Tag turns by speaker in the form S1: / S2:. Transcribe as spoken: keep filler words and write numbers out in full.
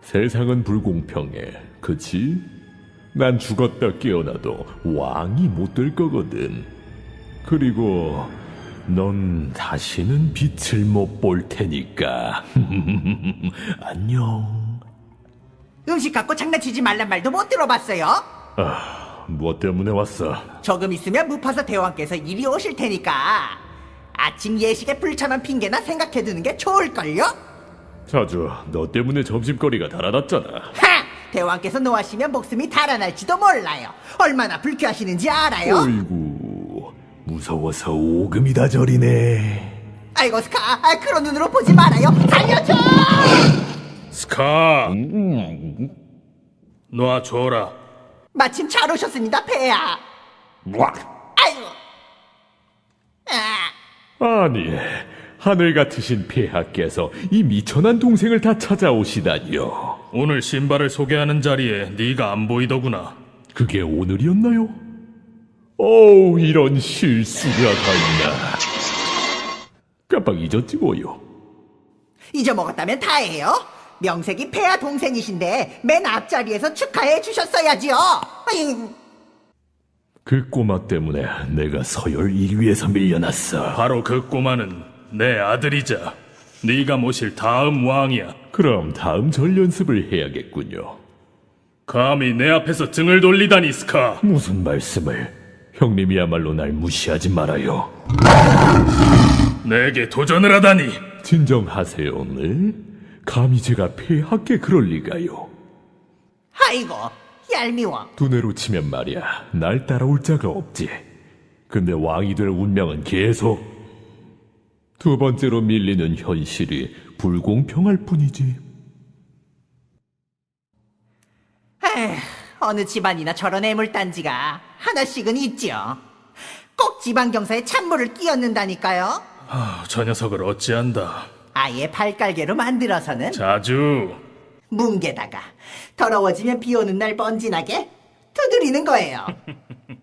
S1: 세상은 불공평해, 그치? 난 죽었다 깨어나도 왕이 못 될 거거든. 그리고 넌 다시는 빛을 못 볼 테니까. 안녕.
S2: 음식 갖고 장난치지 말란 말도 못 들어봤어요?
S1: 아, 무엇 때문에 왔어?
S2: 조금 있으면 무파사 대왕께서 이리 오실 테니까 아침 예식에 불참한 핑계나 생각해두는 게 좋을걸요?
S1: 자주, 너 때문에 점심거리가 달아났잖아.
S2: 하! 대왕께서 노하시면 목숨이 달아날지도 몰라요. 얼마나 불쾌하시는지 알아요?
S1: 어이구, 무서워서 오금이 다 저리네.
S2: 아이고 스카, 아, 그런 눈으로 보지 말아요. 살려줘!
S3: 스카, 놔줘라.
S2: 마침 잘 오셨습니다, 폐하. 아이고. 아,
S1: 아니, 하늘 같으신 폐하께서 이 미천한 동생을 다 찾아오시다니요.
S3: 오늘 신발을 소개하는 자리에 네가 안 보이더구나.
S1: 그게 오늘이었나요? 어우, 이런 실수가 다 있나. 깜빡 잊었지 뭐요.
S2: 잊어먹었다면 다해요. 명색이 폐하 동생이신데 맨 앞자리에서 축하해 주셨어야지요. 아잉.
S1: 그 꼬마 때문에 내가 서열 일 위에서 밀려났어.
S3: 바로 그 꼬마는 내 아들이자 네가 모실 다음 왕이야.
S1: 그럼 다음 절 연습을 해야겠군요.
S3: 감히 내 앞에서 등을 돌리다니, 스카.
S1: 무슨 말씀을? 형님이야말로 날 무시하지 말아요.
S3: 내게 도전을 하다니.
S1: 진정하세요, 네? 감히 제가 폐하께 그럴 리가요.
S2: 아이고, 얄미워.
S1: 두뇌로 치면 말이야, 날 따라올 자가 없지. 근데 왕이 될 운명은 계속 두 번째로 밀리는 현실이 불공평할 뿐이지.
S2: 에휴, 어느 집안이나 저런 애물단지가 하나씩은 있죠. 꼭 지방경사에 찬물을 끼얹는다니까요.
S3: 아, 저 녀석을 어찌한다.
S2: 아예 발깔개로 만들어서는
S3: 자주.
S2: 뭉개다가 더러워지면 비 오는 날 번진하게 두드리는 거예요.